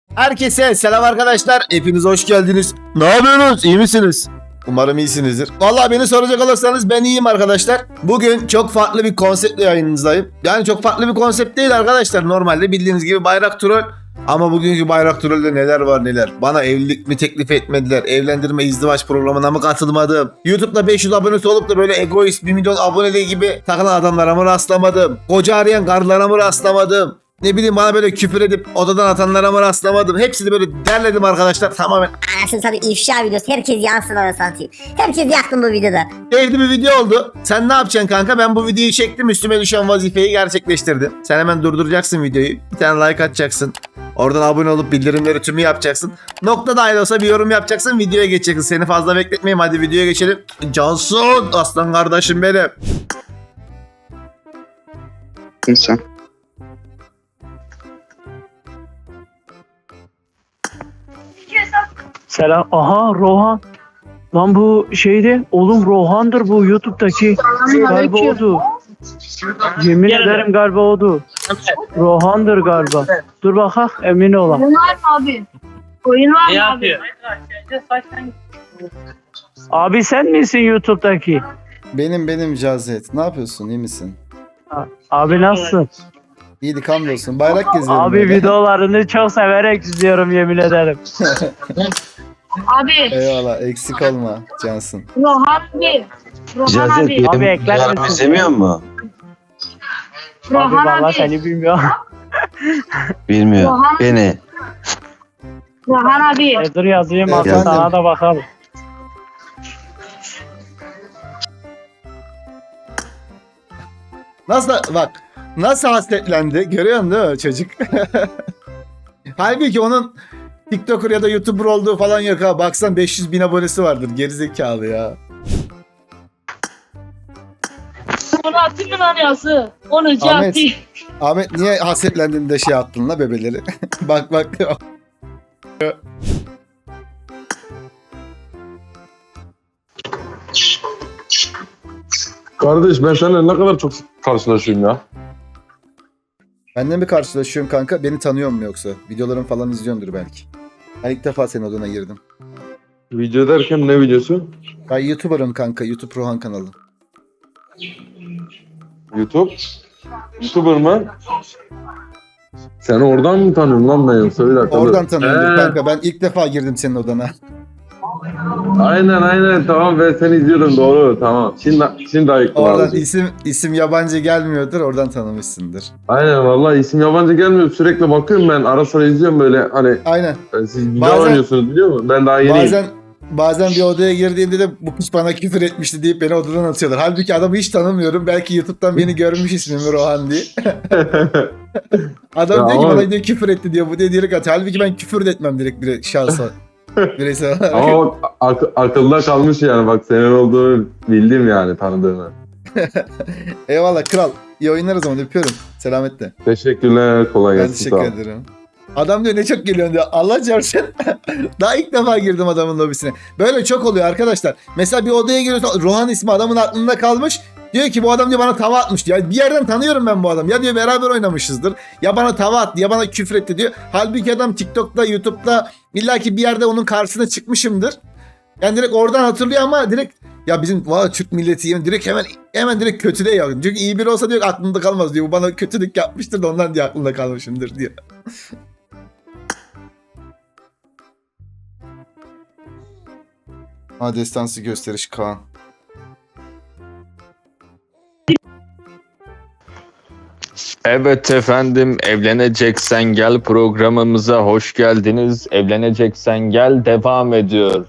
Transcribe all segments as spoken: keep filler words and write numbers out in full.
Herkese selam arkadaşlar. Hepiniz hoş geldiniz. Ne yapıyorsunuz? İyi misiniz? Umarım iyisinizdir. Vallahi beni soracak olursanız ben iyiyim arkadaşlar. Bugün çok farklı bir konseptle yayınınızdayım. Yani çok farklı bir konsept değil arkadaşlar. Normalde bildiğiniz gibi bayrak troll. Ama bugünkü bayrak trollde neler var neler. Bana evlilik mi teklif etmediler? Evlendirme izdivaç programına mı katılmadım? YouTube'da beş yüz abonesi olup da böyle egoist bir milyon aboneli gibi takılan adamlara mı rastlamadım? Koca arayan karılara mı rastlamadım? Ne bileyim bana böyle küfür edip odadan atanlara mı rastlamadım? Hepsini böyle derledim arkadaşlar tamamen. Anasını satayım ifşa videosu. Herkes yansın anasını satayım. Herkes yaktım bu videoda. Keyifli bir video oldu. Sen ne yapacaksın kanka? Ben bu videoyu çektim. Üstüme düşen vazifeyi gerçekleştirdim. Sen hemen durduracaksın videoyu. Bir tane like atacaksın. Oradan abone olup bildirimleri tümü yapacaksın. Nokta dahil olsa bir yorum yapacaksın. Videoya geçeceksin. Seni fazla bekletmeyeyim. Hadi videoya geçelim. Cansun aslan kardeşim benim. İnsan. Selam. Aha Rohan. Lan bu şeydi. Oğlum Rohan'dır bu YouTube'daki. Galiba odu. Yemin ederim galiba odu. Rohan'dır galiba. Dur bakalım emin olam. Oyun var mı abi? Oyun var mı abi? Abi sen misin YouTube'daki? Benim benim Cazet. Ne yapıyorsun? İyi misin? Abi nasılsın? İyilik hamdolsun. Bayrak geziyorum. Abi böyle. videolarını çok severek izliyorum yemin ederim. Abi, Eyvallah. Eksik olma Cansın. Rohan abi. Rohan Cazet abi. benim Abi ekler videolarımı misin? izlemiyor mu? Abi Rohan valla abi. seni bilmiyorum. Bilmiyor. Rohan- Beni. Rohan abi. E, dur yazayım Efendim? aslında sana da bakalım. Nasıl bak nasıl hasretlendi görüyorsun değil mi çocuk? Halbuki onun TikToker ya da YouTuber olduğu falan yok ha. Baksan beş yüz bin abonesi vardır gerizekalı ya. Onu attın mı lan yazı? Onu Ahmet. çarptı. Ahmet niye hasretlendin de şey attın la bebeleri? bak bak. Kardeş ben seninle ne kadar çok karşılaşıyorum ya. Benle mi karşılaşıyorsun kanka? Beni tanıyor mu yoksa? Videolarım falan izliyordur belki. Ben ilk defa senin odana girdim. Video derken ne videosu? Ben YouTuber'ım kanka. YouTube Rohan kanalı. YouTube. YouTuber mı? Seni oradan mı tanıyorum lan ben yoksa bir dakika. Oradan dur. tanıyorum Ee, kanka. Ben ilk defa girdim senin odana. Aynen aynen tamam ben seni izliyorum doğru tamam. Şimdi şimdi ayıktım Oradan abi. isim isim yabancı gelmiyordur. Oradan tanımışsındır. Aynen vallahi isim yabancı gelmiyor sürekli bakıyorum ben ara sıra izliyorum böyle hani Aynen. e, siz güzel Bazen- oynuyorsunuz biliyor musun? Ben daha yeniyim. Bazen bazen bir odaya girdiğimde de bu piç bana küfür etmişti deyip beni odadan atıyorlar. Halbuki adamı hiç tanımıyorum. Belki YouTube'dan beni görmüş ismimi Rohan diye. Adam Ya diyor ki ama- bana diyor küfür etti diyor. Bu diye direkt atıyor. Halbuki ben küfür de etmem direkt bir şahsa. Bireysel olarak. Ama bak, ak- akılda kalmış yani bak senin olduğunu bildim yani tanıdığını. Eyvallah kral. İyi oyunlar o zaman öpüyorum. Selametle. Teşekkürler kolay Ben gelsin. teşekkür sağ ol. ederim. Adam diyor ne çok geliyorsun diyor. Allah çarpsın. Daha ilk defa girdim adamın lobisine. Böyle çok oluyor arkadaşlar. Mesela bir odaya giriyorsun. Rohan ismi adamın aklında kalmış. Diyor ki bu adam diyor bana tava atmış diyor. Ya bir yerden tanıyorum ben bu adamı. Ya diyor beraber oynamışızdır. Ya bana tava attı ya bana küfür etti diyor. Halbuki adam TikTok'ta, YouTube'da illaki bir yerde onun karşısına çıkmışımdır. Yani direkt oradan hatırlıyor ama direkt ya bizim valla Türk milleti yemin direkt hemen hemen direkt kötüde ya. Çünkü iyi biri olsa diyor aklında kalmaz diyor. Bu bana kötülük yapmıştır da ondan diye aklında kalmışımdır diyor. Ha destansı gösteriş Kaan. Evet efendim, Evleneceksen Gel programımıza hoş geldiniz. Evleneceksen Gel devam ediyor.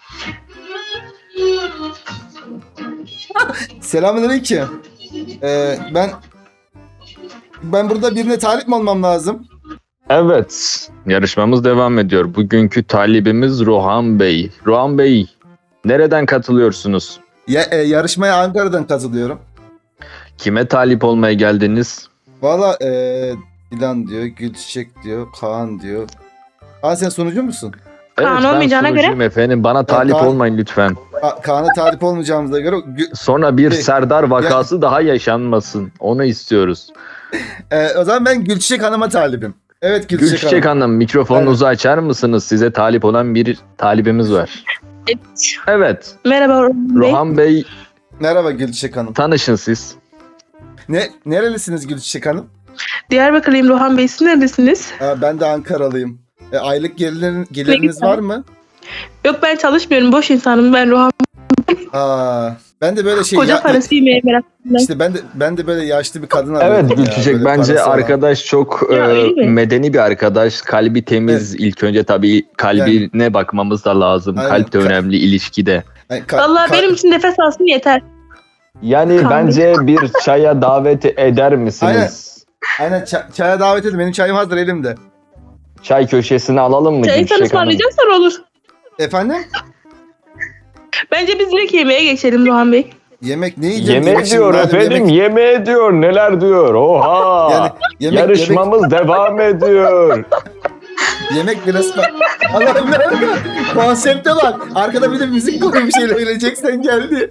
Selamünaleyküm. Ee, ben ben burada birine talip mi olmam lazım? Evet, yarışmamız devam ediyor. Bugünkü talibimiz Rohan Bey. Rohan Bey, nereden katılıyorsunuz? Ya, e, yarışmaya Ankara'dan katılıyorum. Kime talip olmaya geldiniz? Valla e, Dilan diyor, Gülçiçek diyor, Kaan diyor. Kaan sen sunucu musun? Evet, Kaan ben olmayacağına göre- sunucuyum efendim. Bana talip Kaan- olmayın lütfen. Ka- Kaan'a talip olmayacağımıza göre Gü- Sonra bir Şey, Serdar vakası daha yaşanmasın. Onu istiyoruz. e, o zaman ben Gülçiçek Hanım'a talibim. Evet Gülçiçek, Gülçiçek Hanım. Hanım mikrofonunuzu açar mısınız? Size talip olan bir talibimiz var. Evet. Merhaba Rohan Bey. Rohan Bey Merhaba Gülçiçek Hanım. tanışın siz. Ne nerelisiniz Gülçiçek Hanım? Diyarbakırlıyım Rohan Bey. Siz neredesiniz? Aa, ben de Ankaralıyım. E, aylık gelirin, geliriniz güzel. var mı? Yok ben çalışmıyorum. Boş insanım ben Rohan. Aa, ben de böyle şey Koca ya- parası yemeye meraklıyım. İşte ben de ben de böyle yaşlı bir kadın arıyorum. Evet ya, Gülçiçek böyle bence parası olan. arkadaş çok Ya, e, öyle mi? medeni bir arkadaş. Kalbi temiz. İlk önce tabii kalbine bakmamız da lazım. Aynen. Kalp de önemli ilişkide. Yani ka- Valla ka- benim için nefes alsın yeter. Yani Kalbi. bence bir çaya davet eder misiniz? Aynen ça- çaya davet edin. Benim çayım hazır elimde. Çay köşesine alalım mı Çayı sen Gülçiçek Hanım? ısmarlayacaksan olur. Efendim? Bence biz direkt yemeğe geçelim Rohan Bey. Yemek ne yiyeceğim? Yemek Yemek diyor şimdi, madem efendim, yemek- yemeğe diyor, neler diyor. Oha! Yani yemek, Yarışmamız devam ediyor. yemek, yemek biraz... Allah'ım ne? Konsepte bak. Arkada bir de müzik koymuş öleceksen geldi.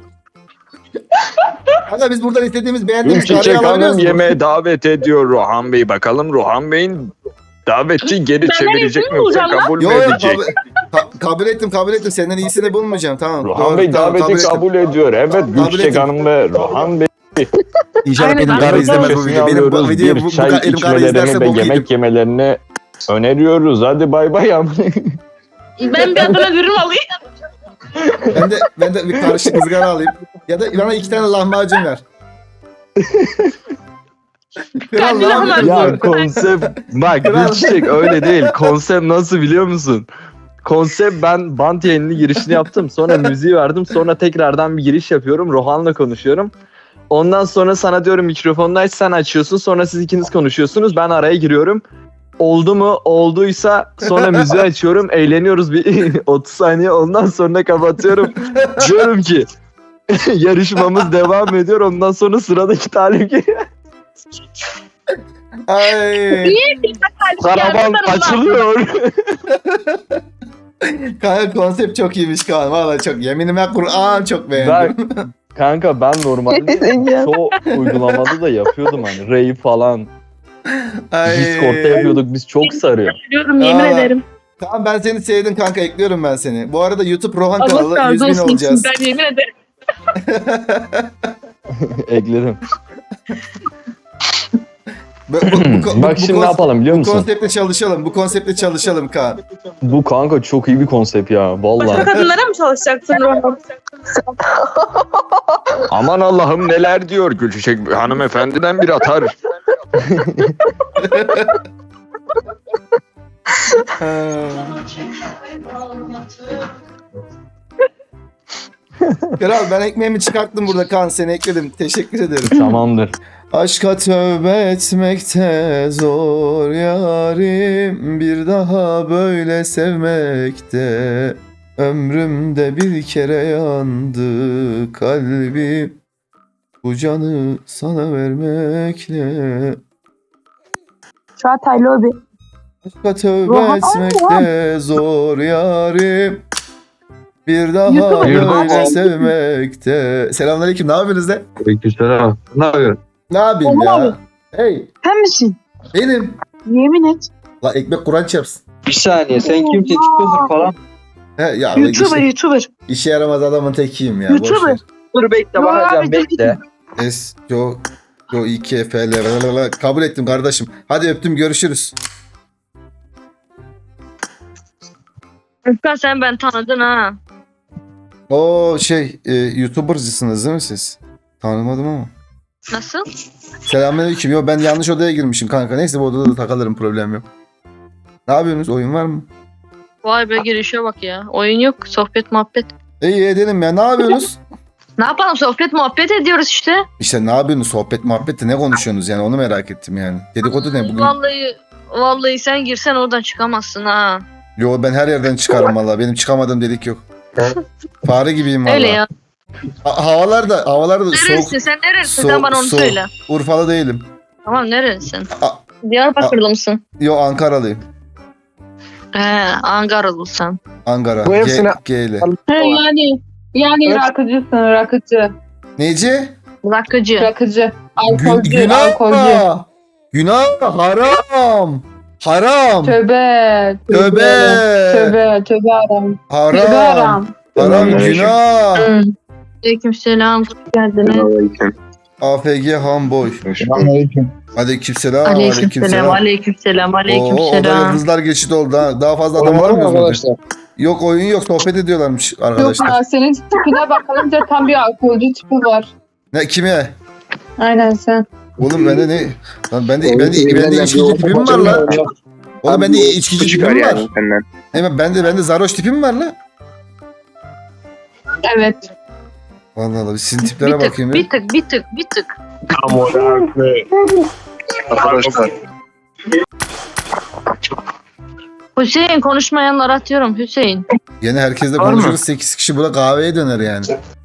Aga biz buradan istediğimiz beğendiğimiz karıyı Gülçiçek alabiliyoruz Hanım mu? yemeğe davet ediyor Rohan Bey. Bakalım Rohan Bey'in davetçi geri Benden çevirecek iyisini mi yoksa bulacağım lan. kabul Yo mü yo edecek? kabul, ka- kabul ettim kabul ettim. Senden iyisini bulmayacağım tamam. Rohan Doğru, Bey tamam, daveti ettim. kabul ediyor. Evet Gülçiçek ettim. Hanım ve Rohan Bey. İnşallah Aynen, benim aynen. karı izlemez bu köşesine videoyu. Benim bu alıyoruz. videoyu Bir bu, bu, çay elim karı izlerse içmelerini ve bok yedim. yemek yemelerini öneriyoruz. Hadi bay bay. Ben bir Adana dürüm alayım. Ben de, ben de bir karışık ızgara alayım. Ya da bana iki tane lahmacun ver. Kral Kendi ne lahmacun. yapıyorsun? Ya konsept bak Kral. Gülçiçek öyle değil. Konsept nasıl biliyor musun? Konsept ben bant yayını girişini yaptım. Sonra müziği verdim. Sonra tekrardan bir giriş yapıyorum. Rohan'la konuşuyorum. Ondan sonra sana diyorum mikrofonunu aç, sen açıyorsun. Sonra siz ikiniz konuşuyorsunuz. Ben araya giriyorum. Oldu mu? Olduysa sonra müziği açıyorum. Eğleniyoruz bir otuz saniye. Ondan sonra kapatıyorum. Diyorum ki yarışmamız devam ediyor. Ondan sonra sıradaki talip geliyor. Ay. Karavan açılıyor. Kanka konsept çok iyiymiş Kaan. Valla çok. Yeminime Kur'an çok beğendim. Ben, kanka ben normalde çoğu uygulamada da yapıyordum hani rave falan. Ay. Discord'da yapıyorduk biz, çok sarıyor. Diyorum yemin Aa. ederim. Tamam ben seni sevdim kanka, ekliyorum ben seni. Bu arada YouTube Rohan Allah kanalı yüz razı bin olsun. olacağız. Ben yemin ederim. Ekledim. Bu, bu, bu, bu, Bak bu şimdi ne kons- yapalım biliyor Bu musun? konseptle çalışalım. Bu konseptle çalışalım Kaan. Bu kanka çok iyi bir konsept ya Başka vallahi. kadınlara mı çalışacaksın Rohan? Aman Allah'ım neler diyor Gülçiçek hanımefendiden bir atar. Ha. Kral ben ekmeğimi çıkarttım burada Kaan, seni ekledim. Teşekkür ederim. Tamamdır. Aşka tövbe etmekte zor yarim, bir daha böyle sevmekte. Ömrümde bir kere yandı kalbim, bu canı sana vermekle. Çağatay Lobi. Aşka tövbe Rohan- etmekte zor yarim, bir daha YouTube'a böyle Rohan- sevmekte. Selamünaleyküm, ne yapıyorsunuz lan? Aleykümselam. Ne yapıyorsun? Ne yapayım Rohan ya? abi. Hey, Sen misin? benim. Yemin et. La ekmek Kur'an çarpsın. Bir saniye sen kimsin? TikToker falan. He ya YouTuber, işte, YouTuber. işe yaramaz adamın tekiyim ya. boş YouTuber. ver. Dur bekle Rohan bakacağım abi, bekle. S, yo, yo, iki F, L, L, L, L. Kabul ettim kardeşim. Hadi öptüm, görüşürüz. Özkan sen ben tanıdın ha. O şey, e, YouTuber'cısınız değil mi siz? Tanımadım ama. Nasıl? Selamünaleyküm. Yo ben yanlış odaya girmişim kanka. Neyse bu odada da takılırım, problem yok. Ne yapıyorsunuz? Oyun var mı? Vay be girişe bak ya. Oyun yok. Sohbet muhabbet. İyi edelim ya. Ne yapıyorsunuz? Ne yapalım? Sohbet muhabbet ediyoruz işte. İşte ne yapıyorsunuz? Sohbet muhabbette ne konuşuyorsunuz yani, onu merak ettim yani. Dedikodu ne bugün? Vallahi vallahi sen girsen oradan çıkamazsın ha. Yo ben her yerden çıkarım valla. Benim çıkamadığım delik yok. Fare gibiyim valla. Öyle ya. Ha- havalar da havalar da soğuk. Neresin sen neresin? soğuk- Sen bana onu soğuk. söyle. Urfalı değilim. Tamam neresin? A- Diyarbakırlı mısın? Yo Ankaralıyım. He Ankaralısın. Ankara. Bu hepsine- G, G ile. yani yani rakıcısın rakıcı. Neci? Rakıcı. Rakıcı. Gün, günah. Günah haram. Haram. Tövbe. Tövbe. Tövbe. Tövbe haram. Tövbe Haram. haram. Haram günah. Hı. Aleykümselam. Hoş geldiniz. A F G Hamboy. Aleykümselam. Aleykümselam. Aleykümselam. Oo, o da Aleykümselam. yıldızlar geçit oldu ha. Daha fazla adam alamıyoruz mu? Yok oyun yok, sohbet ediyorlarmış Yok arkadaşlar. ya senin tipine bakılınca tam bir alkolcü tipi var. Ne kime? Aynen sen. Oğlum bende ne? Lan bende bende bende içkici tipim var lan. Oğlum bende içkici tipim var. Hemen bende bende zaroş tipim var lan. Evet. Vallahi Allah, sizin Bir tiplere tık, bakayım ya. bir tık, bir tık, bir tık. Arkadaşlar. Hüseyin konuşmayanlar atıyorum Hüseyin. Yine herkesle Var mı? konuşuruz. sekiz kişi burada kahveye döner yani.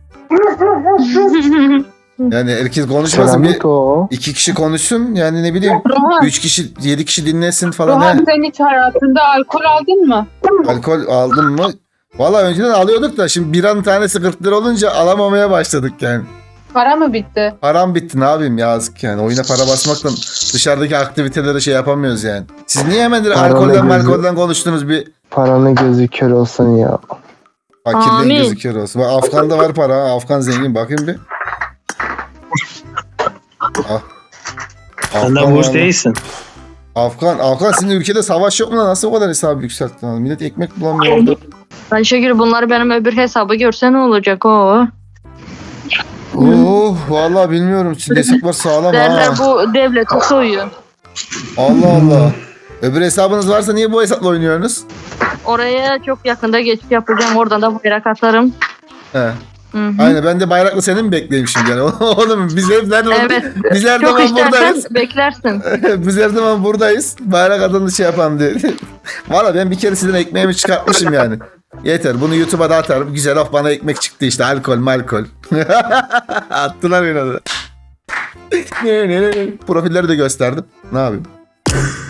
Yani herkes konuşmasın. Bir, iki kişi konuşsun. Yani ne bileyim. Rohan, Üç kişi, yedi kişi dinlesin falan. Rohan He. sen hiç hayatında alkol aldın mı? Alkol aldın mı? Valla önceden alıyorduk da şimdi biranın tanesi kırk lira olunca alamamaya başladık yani. Para mı bitti? Param bitti, ne yapayım, yazık yani. Oyuna para basmakla dışarıdaki aktivitelere şey yapamıyoruz yani. Siz niye hemen direkt Paranın alkolden gözü- malkolden konuştunuz, bir Paranın gözü kör olsun ya. fakirliğin Amin. gözüküyor olsun. Bak Afgan'da var para ha. Afgan zengin, bakayım bir. Ah. Sen de Afgan boş var. değilsin. Afgan, Afgan sizin ülkede savaş yok mu lan? Nasıl o kadar hesabı yükselttin lan? Millet ekmek bulamıyor orada. Ben Şegül bunları benim öbür hesabı görse ne olacak o? Oh vallahi bilmiyorum. Şimdi hesaplar sağlam Derler ha. bu devleti soyuyor. Allah Allah. Öbür hesabınız varsa niye bu hesapla oynuyorsunuz? Oraya çok yakında geçiş yapacağım. Oradan da bayrak atarım. He. Hı hı. Aynen, ben de bayraklı senin mi bekleyeyim şimdi yani? Oğlum biz hep nerede Evet. Biz her Çok zaman istersen buradayız. beklersin. Biz her zaman buradayız. Bayrak adını şey yapan diye. Valla ben bir kere sizin ekmeğimi çıkartmışım yani. Yeter, bunu YouTube'a da atarım. Güzel, of bana ekmek çıktı işte, alkol malkol. Attılar beni de. Profilleri de gösterdim. Ne yapayım?